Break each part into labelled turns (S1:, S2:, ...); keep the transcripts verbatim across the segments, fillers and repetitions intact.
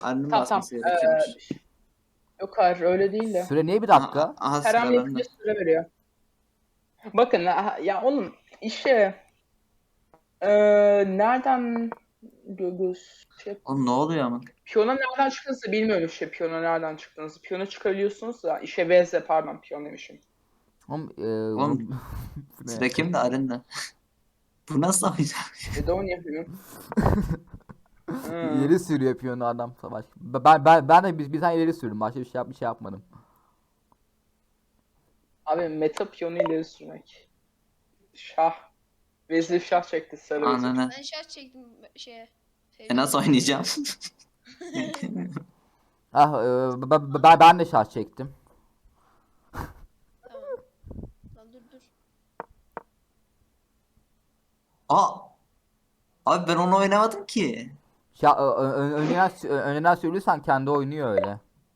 S1: Arının
S2: Tamam tamam.
S1: basması gerekiyormuş.
S2: Ee, yok hayır öyle değil de.
S3: Süre niye bir
S1: Aha,
S3: dakika?
S1: aha
S2: Her hamle
S1: sıra
S2: yapınca
S1: bende.
S2: süre veriyor. Bakın ha- ya onun işe e, nereden gö- göz şey,
S1: Oğlum ne oluyor ama?
S2: piyona nereden çıktığınızı bilmiyorum işte piyona nereden çıktığınızı. Piyona çıkabiliyorsunuz da işe vezle pardon piyon demişim.
S3: Oğlum, e,
S1: Oğlum
S3: bu ne?
S1: sıra kimde Arın'da? Bu nasıl oynayacak?
S2: E de onu yapıyorum. Hmm.
S3: İleri sürüyor piyonu adam savaş. Ben ben ben de bir, bir tane ileri sürdüm. Başka bir şey yap bir şey yapmadım.
S2: Abi meta piyonu ileri sürmek. Şah. Vezir şah çekti sarı vezir.
S1: Ananı.
S4: Ben şarj çektim şeye.
S1: E nasıl oynayacağım?
S3: Ah, e, ben, ben, ben de şarj çektim.
S4: Tamam. Lan dur dur.
S1: Aa! Abi ben onu oynamadım ki.
S3: Ya, ö- ö- önceden ö- önceden söylüyorsan kendi oynuyor öyle.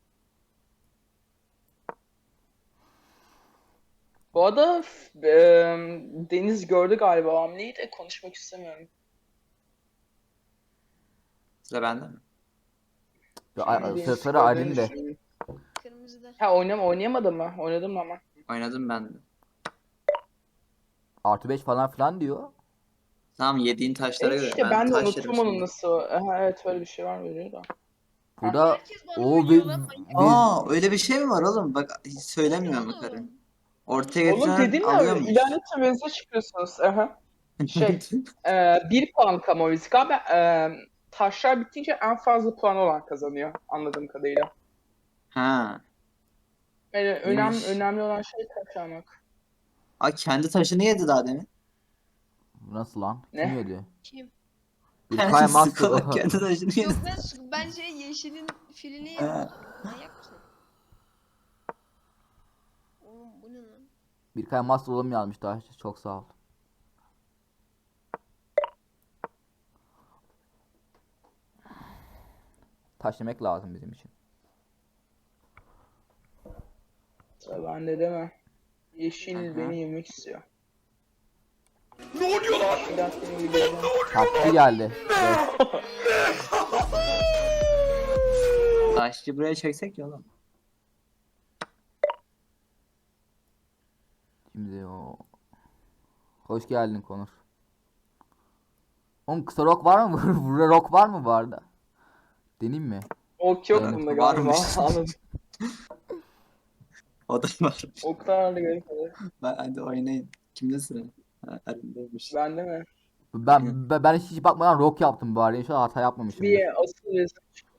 S2: Bu arada f- e, Deniz gördü galiba hamleyi de konuşmak istemiyorum.
S1: Sıra bende mi?
S3: Ya, a- a-
S2: Deniz
S3: sıra sıra
S2: gördüğünü
S3: Aylin de.
S2: düşünüyorum.
S4: Kırmızıda.
S2: Ha oynam oynayamadım mı? Oynadım ama.
S1: Oynadım ben de.
S3: Artı beş falan filan diyor.
S1: Tamam yediğin taşlara
S2: E
S1: göre.
S2: işte ben de
S1: taş
S2: unuttum
S1: yedim
S2: onun
S1: şimdi.
S2: nasıl. Aha, evet öyle bir şey var mı da.
S3: Burada
S4: Herkes bana
S3: o ve,
S4: oynuyor lan.
S3: ve
S1: Aa öyle bir şey mi var oğlum? Bak hiç söylemiyor mu
S4: Oğlum.
S1: karın? Ortaya
S2: Oğlum
S1: getiren
S2: dedim ya
S1: alıyormuş.
S2: ilerlete vezir çıkıyorsunuz. Aha. Şey e, bir puan kamu risk abi. E, taşlar bitince en fazla puan olan kazanıyor anladığım kadarıyla.
S1: Ha.
S2: Yani önemli,
S1: İyiymiş.
S2: önemli olan şey taş almak.
S1: Aa kendi taşını yedi daha demin.
S3: nasıl lan? Kim
S2: Ne?
S3: yedi?
S4: Kim?
S3: Bir Kay Master.
S1: Sıkılak kendi taşını yedi.
S4: Yok ben su- ben şey yeşilin filini yedim.
S1: Ha.
S4: Manyak mısın? Oğlum bu ne lan?
S3: Bir Kay Master oğlum yazmış daha. Çok sağ ol. Taş yemek lazım bizim için.
S2: Sıra bende değil mi? Yeşil
S1: Aha.
S2: beni yemek istiyor.
S5: Ne oluyor lan?
S2: Bir dakika beni gidiyorum.
S3: Taşçı geldi. Evet.
S1: Taşçı buraya çeksek ya oğlum.
S3: Şimdi o. Hoş geldin Konur. Oğlum kısa rock var mı? Burada rock var mı bu arada? Deneyim mi?
S2: Ok yok
S3: Evet,
S2: bunda galiba.
S1: varmış.
S2: Anladım.
S1: O da var.
S2: Oklarla garip oluyor.
S1: Ben, hadi oynayın. Kimde sıra? Ha, Arın'daymış.
S2: Bende mi?
S3: Ben ben, ben hiç bakmadan rock yaptım bari. İnşallah hata yapmamışımdır.
S2: Bir asıl vezir.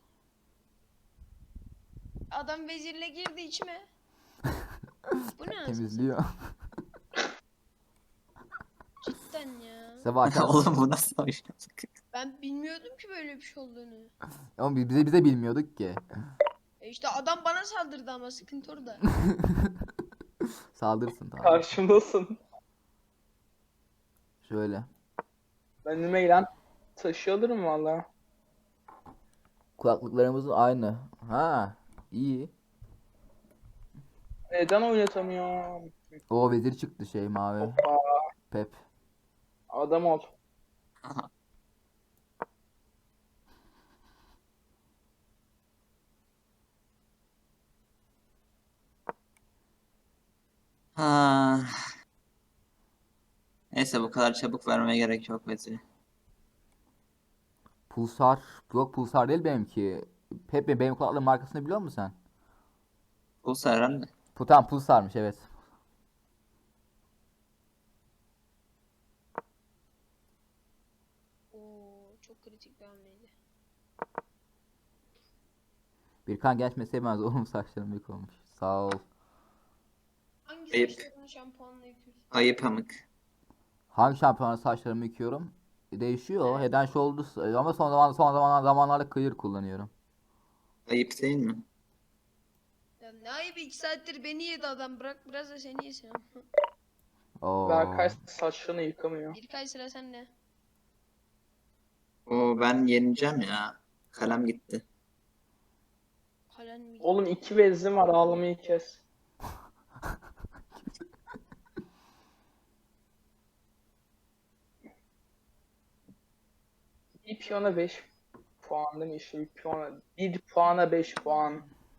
S4: Adam vezirle girdi içime. Bu ne anasını
S3: Temizliyor.
S4: cidden ya.
S3: Sabah
S1: Oğlum bu nasıl oynadık?
S4: Ben bilmiyordum ki böyle bir şey olduğunu.
S3: Ama biz bize bize bilmiyorduk ki.
S4: E işte adam bana saldırdı ama sıkıntı orada.
S3: Saldırsın tamam.
S2: Karşımdasın.
S3: Şöyle.
S2: Ben önüme gelen taşı alırım valla.
S3: Kulaklıklarımızın aynı. Ha, iyi.
S2: Neden oynatamıyorum?
S3: O vezir çıktı şey mavi.
S2: Hoppa.
S3: Pep.
S2: Adam ol.
S1: Ha. Neyse bu kadar çabuk vermeye gerek yok Vezir'i.
S3: Pulsar. Yok pulsar değil benimki. Pep benim kulaklığın markasını biliyor musun sen?
S1: Bu herhalde.
S3: Bu tamam pulsarmış evet.
S4: Oo çok kritik bir hamleydi.
S3: Birkan genç sevmez oğlum saçlarım büyük olmuş. Sağ ol.
S4: Hangi
S1: Ayıp.
S4: saçlarını şampuanla yıkıyorsun?
S1: Ayı pamuk.
S3: Hangi şampiyona saçlarımı yıkıyorum? E, Değişiyor. Head and Shoulders ama son zaman son zaman zamanlarda clear kullanıyorum.
S1: Ayıp değil mi?
S4: Ya ne ayıp iki saattir beni yedi adam bırak biraz da seni yesin.
S3: Oo.
S2: Berkay saçlarını yıkamıyor.
S4: Bir kay sıra sende.
S1: Oo ben yeneceğim ya. Kalem gitti.
S4: Kalen mi?
S2: Oğlum iki vezim var ağlamayı kes. Bir piyona beş puan değil mi? İşte bir puana, bir puana beş puan.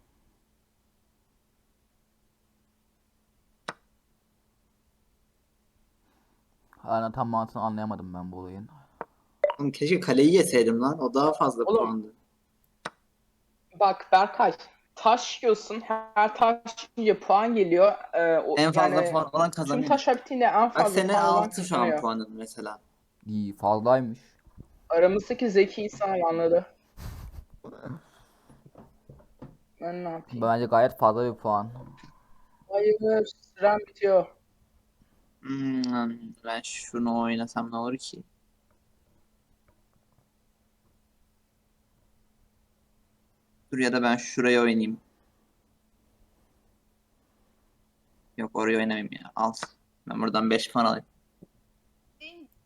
S3: Hala tam mantığını anlayamadım ben bu olayın.
S1: Oğlum keşke kaleyi yeseydim lan. O daha fazla
S2: Oğlum.
S1: puandı.
S2: Bak Berkay, taş yiyorsun. Her taş yiyince puan geliyor. Ee, o,
S1: En fazla
S2: yani
S1: puan olan
S2: tüm
S1: kazanıyor.
S2: taşlar bittiğinde en
S1: Bak
S2: fazla
S1: sene
S2: puan olan
S1: altı şu an
S2: kazanıyor.
S1: puanın mesela.
S3: İyi fazlaymış.
S2: Aramızdaki zeki insan anladı. Ben ne yapayım?
S3: Bence gayet fazla bir puan.
S2: Hayır, süren bitiyor.
S1: Hmm, ben şunu oynasam ne olur ki? Dur ya da ben şuraya oynayayım. Yok oraya oynamayayım ya. Al. Ben buradan beş puan alayım.
S4: Değil mi?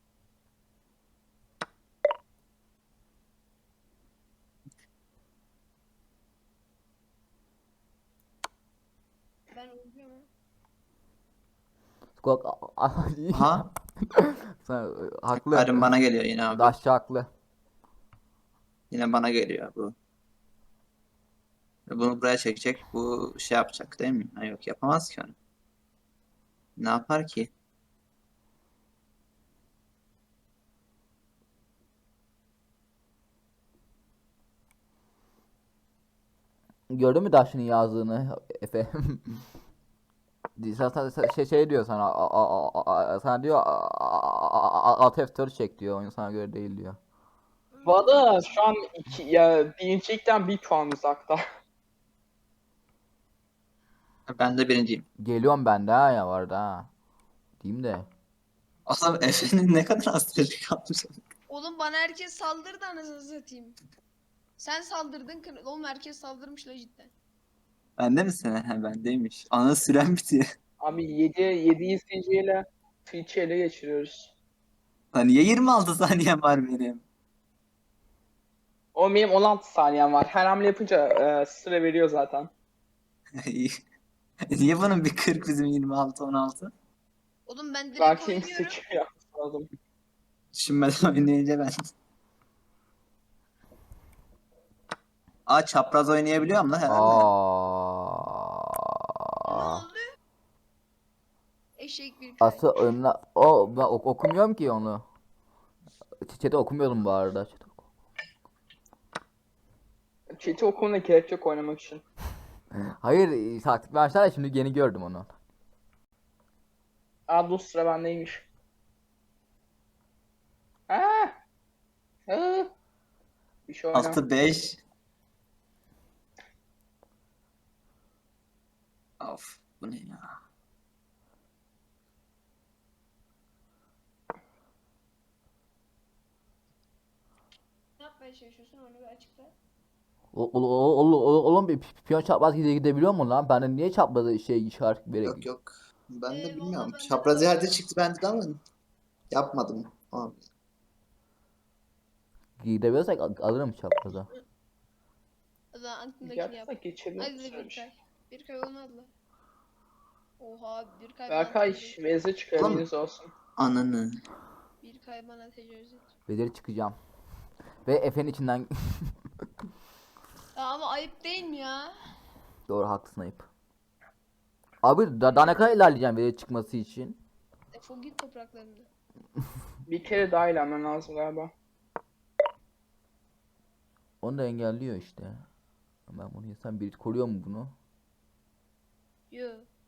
S4: Ben uyuyorum.
S3: Skok
S1: Aha.
S3: Sen, e, haklı.
S1: Karim bana geliyor yine abi.
S3: Daşçı haklı.
S1: Yine bana geliyor bu. Bunu buraya çekecek. Bu şey yapacak değil mi? Ha, yok yapamaz ki onu. Ne yapar ki?
S3: Gördün mü Daşçı'nın yazdığını Efe? Sana sana- şey, şey diyor sana a- a- a- a- sana diyor a- a- a- alt F dört çek diyor. Oyun sana göre değil diyor.
S2: Valla şu an iki, ya birincilikten bir puan uzakta.
S1: Ben de birinciyim.
S3: Geliyorum ben de ha ya vardı ha. Diyeyim de.
S1: Oğlum Efe'nin ne kadar az süreci kalmış.
S4: Oğlum bana herkes saldırdı anasını satayım. Sen saldırdın kır. Oğlum herkes saldırmış la cidden.
S1: Bende mi sene? He bendeymiş. Ana süren bitiyor.
S2: Abi yedi yedi izleyiciyle Twitch'i ele geçiriyoruz.
S1: Lan niye yirmi altı saniyem var benim?
S2: O benim on altı saniyem var. Her hamle yapınca e, süre veriyor zaten.
S1: Niye bunun bir kırk bizim yirmi altı on altı?
S4: Oğlum ben direkt
S2: Belki
S4: oynuyorum.
S2: seçim yapması lazım.
S1: Düşünmeden oynayınca ben. Aa çapraz oynayabiliyorum la herhalde.
S4: Ne
S3: Aa.
S4: oldu? Eşek bir kay.
S3: Asıl önüne o ben ok- okumuyorum ki onu. Chat'i okumuyordum bu arada. Chat'i oku-
S2: Chat'i okumuna gerek yok oynamak için.
S3: Hayır, taktik vermişler ya şimdi yeni gördüm onu.
S2: Aa dur sıra bendeymiş. Ha, ha. Bir şey oyna.
S1: altı beş. Of bu ne ya?
S4: Ne yapmaya çalışıyorsun onu bir açıkla.
S3: O- o- o- o- o- Oğlum bir pi- piyon çapraz gide gidebiliyor mu lan? Ben de niye çaprazı şey işaret vererek
S1: Yok yok. Ben de
S4: Ee,
S1: bilmiyorum.
S4: vallahi bende de
S1: Çapraz
S4: var.
S1: yerde çıktı bende de ama yapmadım. Abi.
S3: gidebiliyorsak al- alırım çapraza.
S4: O zaman aklındakini yap.
S2: Yapsak geçelim.
S4: Hadi de bir kay. Bir kay olmadı la. Oha bir kay bana
S2: Berkay
S4: tecavüz etti.
S2: meze çıkıyor
S1: Oğlum.
S2: eliniz olsun.
S1: Ananı.
S4: Bir kay bana tecavüz etti.
S3: Beleri çıkacağım. Ve Efe'nin içinden
S4: Ya ama ayıp değil mi ya?
S3: doğru haklısın ayıp. Abi da, daha ne kadar ilerleyeceğim veleri çıkması için?
S4: Defol git topraklarımda.
S2: Bir kere daha ilerlemen lazım galiba.
S3: Onu da engelliyor işte. Ben bunu yesem biri koruyor mu bunu?
S4: Yo.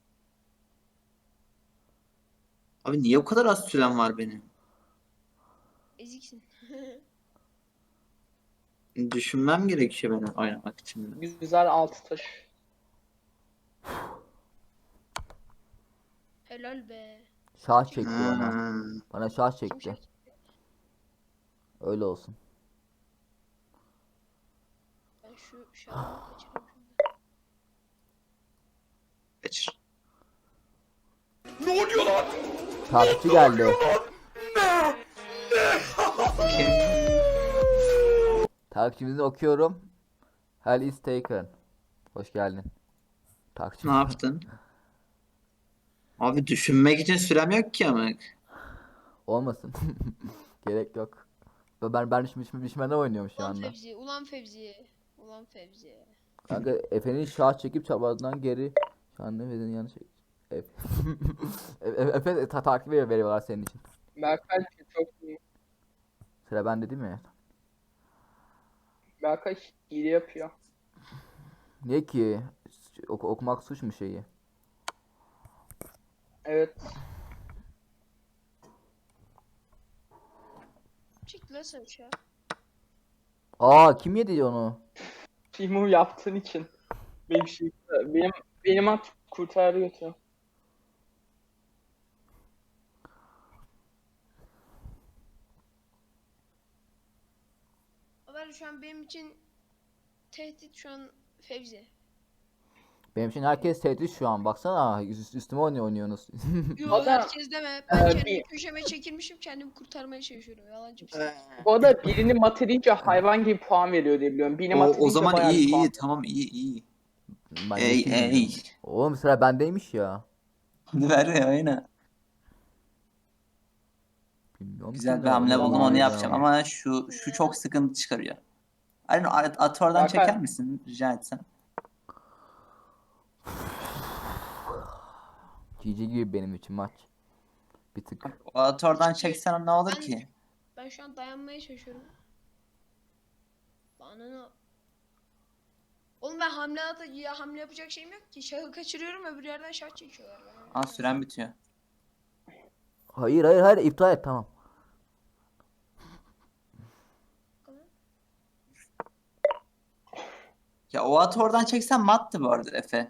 S1: Abi niye bu kadar az sürem var benim?
S4: Eziksin.
S1: Düşünmem gerekiyor benim oynamak için.
S2: Güzel altı taş.
S4: Helal be.
S3: Şah çekti bana.
S1: Ha.
S3: Bana şah
S4: Kim
S3: çekti.
S4: şak-
S3: Öyle olsun.
S4: Ben şu şarkıyı kaçırıyorum şimdi.
S1: Kaçır.
S5: Ne oluyor lan?
S3: Takipçi geldi.
S1: Kim?
S3: Takipçimizi okuyorum. Hell is taken. Hoş geldin. Takipçi.
S1: Ne yaptın? Abi düşünmek için sürem yok ki ama.
S3: Olmasın. Gerek yok. Ben ben biçim biçim biçimde oynuyorum şu
S4: Ulan
S3: anda.
S4: Fevzi, ulan Fevzi. Ulan Fevzi.
S3: Kanka Efe'nin şah çekip çaprazdan geri. Şu anda Efe'nin yanlış. Efe, Efe, Efe ta takip veriyor veriyorlar senin için.
S2: Berkay çok iyi.
S3: Sıra bende değil mi?
S2: Berkay hile yapıyor.
S3: Niye ki? Oku- okumak suç mu şeyi?
S2: Evet.
S4: Çık lan sen şu an.
S3: Aa kim yedi onu?
S2: Timu yaptığın için. Benim şey, benim benim at kurtardı götü.
S4: Haber şu an benim için tehdit şu an Fevzi.
S3: Benim için herkes tehdit şu an. Baksana üst, üstüme oynuyor oynuyorsunuz.
S4: Yo
S2: Adam-
S4: herkes deme. Ben
S2: Ee,
S4: kendimi
S2: bir-
S4: köşeme çekilmişim. Kendimi kurtarmaya çalışıyorum. Yalancı mısın?
S1: Ee,
S2: Bu arada birini mat edince hayvan gibi puan veriyor diye biliyorum. Birini
S1: o,
S2: mat
S1: o
S2: edince
S1: zaman
S2: bayağı
S1: iyi
S2: bir puan.
S1: iyi tamam iyi iyi.
S3: Ben
S1: Ey
S3: yetim
S1: ey.
S3: bilmiyorum. Oğlum sıra bendeymiş ya.
S1: Hadi ver ya aynen.
S3: Bilmiyorum
S1: Güzel
S3: ki
S1: bir
S3: ne
S1: hamle
S3: olduğunu
S1: buldum onu
S3: ya.
S1: yapacağım ama şu şu çok sıkıntı çıkarıyor. Aynen at, at oradan
S2: Berkay-
S1: çeker misin rica etsem?
S3: G G gibi benim için maç. Bir tık.
S1: O at oradan çeksen ne olur
S4: Ben-
S1: ki?
S4: Ben şu an dayanmaya çalışıyorum. Bana ne? Oğlum ben hamle at ya hamle yapacak şeyim yok ki. Şahı kaçırıyorum öbür yerden şah çekiyorlar bana.
S1: Aa süren bitiyor.
S3: Hayır hayır hayır iptal et tamam.
S1: Ya o at oradan çeksen mattı bu arada Efe.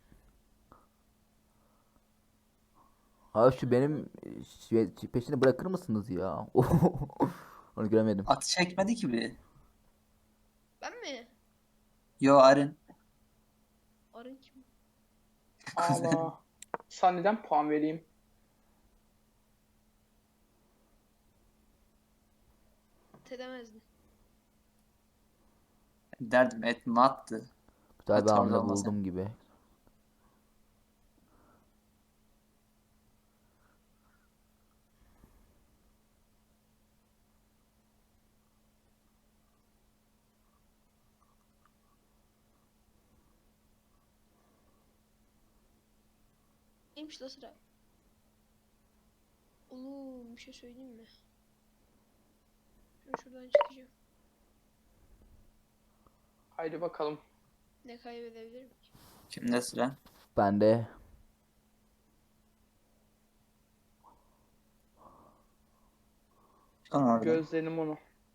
S3: Abi şu benim şey- peşini bırakır mısınız ya? Onu göremedim.
S1: Atı çekmedi ki bir.
S4: Ben mi?
S1: Yo Arın.
S4: Arın kim?
S2: Allah. Sana neden puan vereyim?
S4: Tedemezdin.
S1: Derdim et mattı.
S3: Güzel bir
S1: At
S3: hamle
S1: orada olmasa.
S3: buldum gibi.
S4: Neymiş la sıra? Oğlum bir şey söyleyeyim mi? Şunu şuradan çıkacağım.
S2: Haydi bakalım.
S4: Ne kaybedebilirim ki?
S1: Kimde sıra?
S3: Ben de
S1: Çıkan orada.
S2: Gözlerim onu.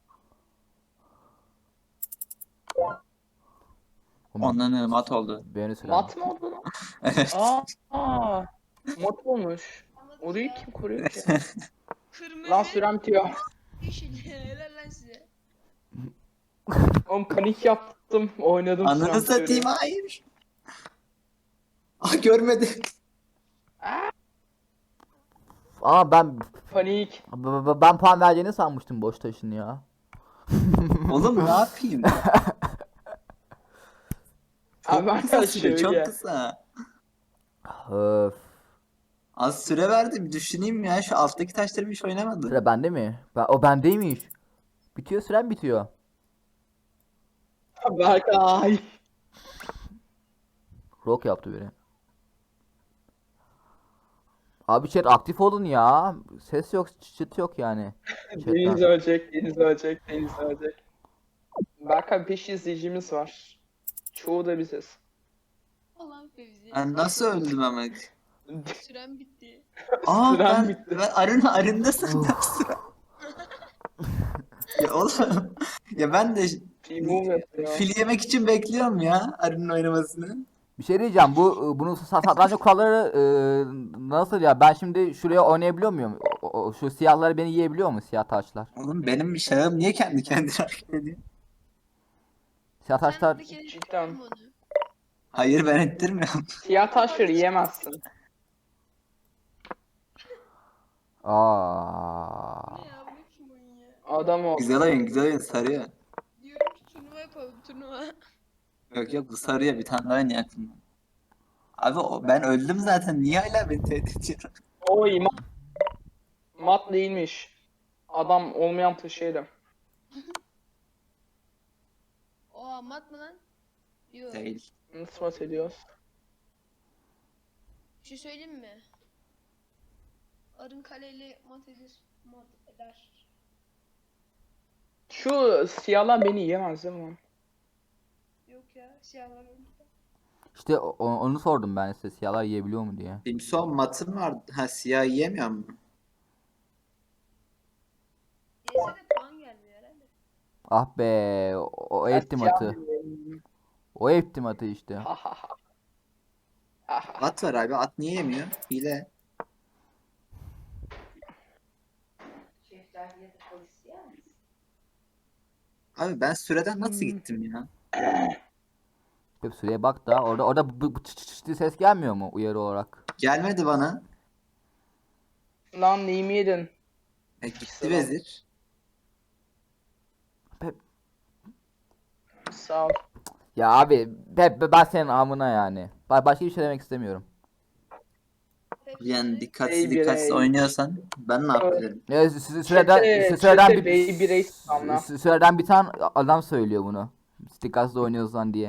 S1: Ondan mat oldu.
S3: beni sıra.
S2: Mat mı oldu lan?
S1: Evet.
S2: Aa, aa. Mat olmuş.
S4: Anladın
S2: Orayı
S4: ya.
S2: kim koruyor ki?
S4: Kırmızı.
S2: Lan sürem bitiyor.
S4: Yeşil. Helal lan size.
S2: Oğlum panik yaptım. Oynadım
S1: Ananı
S2: sürem
S1: satayım
S2: bitiyor.
S1: hayır. Ah görmedi.
S3: Aa ben
S2: Panik.
S3: b- b- ben puan vereceğini sanmıştım boş taşın ya.
S1: Oğlum ne yapayım? Çok
S2: Abi
S1: kısa
S2: ben
S1: süre,
S2: şöyle.
S1: çok kısa.
S3: Öf.
S1: Az süre verdi bir düşüneyim ya. Şu alttaki taşları hiç oynamadım.
S3: Sıra bende mi? Ben, o bendeymiş. Bitiyor süren bitiyor.
S2: Berkay.
S3: Rock yaptı biri. Abi chat aktif olun ya. Ses yok, çıt yok yani.
S2: Deniz
S3: Chatten.
S2: ölecek, Deniz ölecek, Deniz ölecek. Berkay beş izleyicimiz var. Çoğu da biziz.
S4: Ulan Fevzi.
S1: Ben nasıl öldüm ama?
S4: Süren bitti.
S1: Aa
S2: Süren
S1: ben,
S2: bitti.
S1: ben arın arında sandım sıra. Ya oğlum ya ben de
S2: Team yapıyor.
S1: fil yemek için bekliyorum ya arının oynamasını.
S3: Bir şey diyeceğim. Bu e, bunun sa- satranç kuralları e, nasıl ya? Ben şimdi şuraya oynayabiliyor muyum? O- o- şu siyahları beni yiyebiliyor mu siyah taşlar?
S1: Oğlum benim bir şahım niye kendi kendine hareket ediyor?
S3: Siyah taşlar
S4: Sen bir kere
S2: Cidden.
S4: yaptın onu.
S1: Hayır ben ettirmiyorum.
S2: Siyah taşları yiyemezsin.
S3: aa.
S4: Ne ya bu kim oyun ya?
S2: Adam o.
S1: Güzel oyun güzel oyun sarıyor.
S4: Diyorum ki turnuva yapalım turnuva.
S1: Yok yok bu sarıyor bir tane daha oynuyor aklımda. Abi o, ben öldüm zaten niye hala beni tehdit ediyor?
S2: Oy mat. Mat değilmiş. Adam olmayan taşıydı.
S4: Oha mat mı lan? Yok.
S1: Değil.
S2: Nasıl mat ediyoruz?
S4: Bir şey söyleyeyim mi? Arın kaleyle mat edir. Mat eder.
S2: Şu siyahlar beni yiyemez değil mi lan?
S4: Yok ya siyahlar öldü.
S3: İşte o- o- onu sordum ben size, siyahlar yiyebiliyor mu diye.
S1: Simson matın var. Ha siyah yiyemiyor mu?
S4: Yese de puan gelmiyor herhalde.
S3: Ah be, o, o
S2: Ben
S3: etti
S2: siyah
S3: matı.
S2: mıyım?
S3: O etti matı işte.
S2: Ha ha ha. Ha ha.
S1: At var abi. At niye yemiyor? Hile. Abi ben süreden nasıl
S2: Hmm.
S1: gittim ya?
S3: Hep süreye bak da orada orada bu, bu çıt çıt çıt diye ses gelmiyor mu uyarı olarak?
S1: Gelmedi bana.
S2: Lan neyimi yedin?
S1: E, gitti
S2: Selam.
S1: vezir.
S3: Hep,
S2: Sağ ol.
S3: ya abi hep ben senin amına yani. Ba- Başka bir şey demek istemiyorum.
S4: Hepsi
S1: Yani
S4: de-
S1: dikkatsiz
S2: Baby
S1: dikkatsiz
S2: Rage.
S1: oynuyorsan ben ne yapabilirim?
S3: Ya sü- sü- süreden
S2: Çete-
S3: sü- süreden
S2: çete
S3: bir
S2: Baby Race anla.
S3: sü- süreden bir tane adam söylüyor bunu. Dikkatsiz oynuyorsan diye.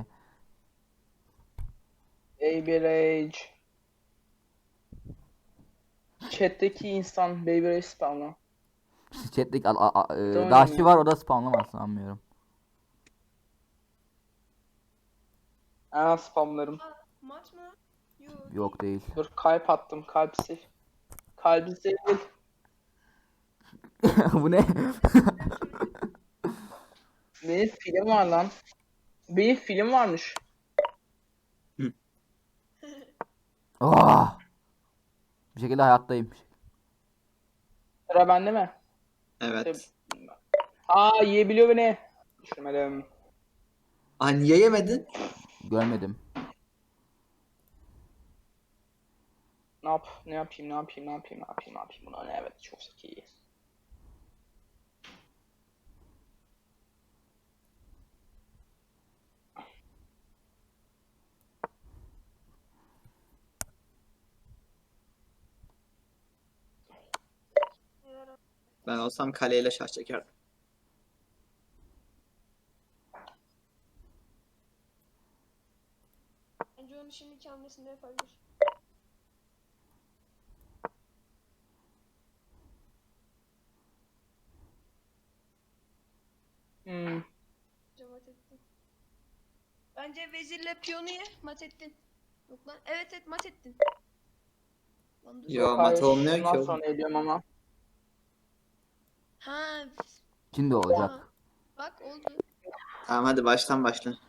S2: Baby Rage. Chat'teki insan Baby Rage spamla.
S3: Chat'teki a- a- a- e,
S2: Tamam.
S3: daşçı var, o da spamlamaz sanmıyorum.
S2: Aa spamlarım.
S4: Aa, mat mı? Yok.
S3: Yok değil.
S2: Dur kalp attım. Kalp sil. Kalbi sil.
S3: Bu ne?
S2: Benim film var lan. Benim film varmış.
S3: Ah! Bir şekilde hayattayım.
S2: Sıra bende mi?
S1: Evet.
S2: Aa yiyebiliyor beni. Düşünmedim.
S1: Aa niye yemedin?
S3: Görmedim.
S2: Ne yap? Ne yapayım? Ne yapayım? Ne yapayım? Ne yapayım? Ne yapayım? Buna ne? Evet çok zeki.
S1: Ben olsam kaleyle şah çekerdim.
S4: Bence onu şimdiki hamlesinde yapabilir.
S2: Hmm.
S4: Bence mat ettin. Bence vezirle piyonu ye mat ettin. Yok lan evet evet mat ettin. Lan dur.
S1: Yo
S2: Yok,
S1: mat
S2: hayır,
S1: olmuyor ki
S2: şundan
S1: oğlum.
S2: sonra ediyorum ama.
S4: Ha
S3: Şimdi olacak.
S4: bak oldu.
S1: Tamam hadi baştan başla.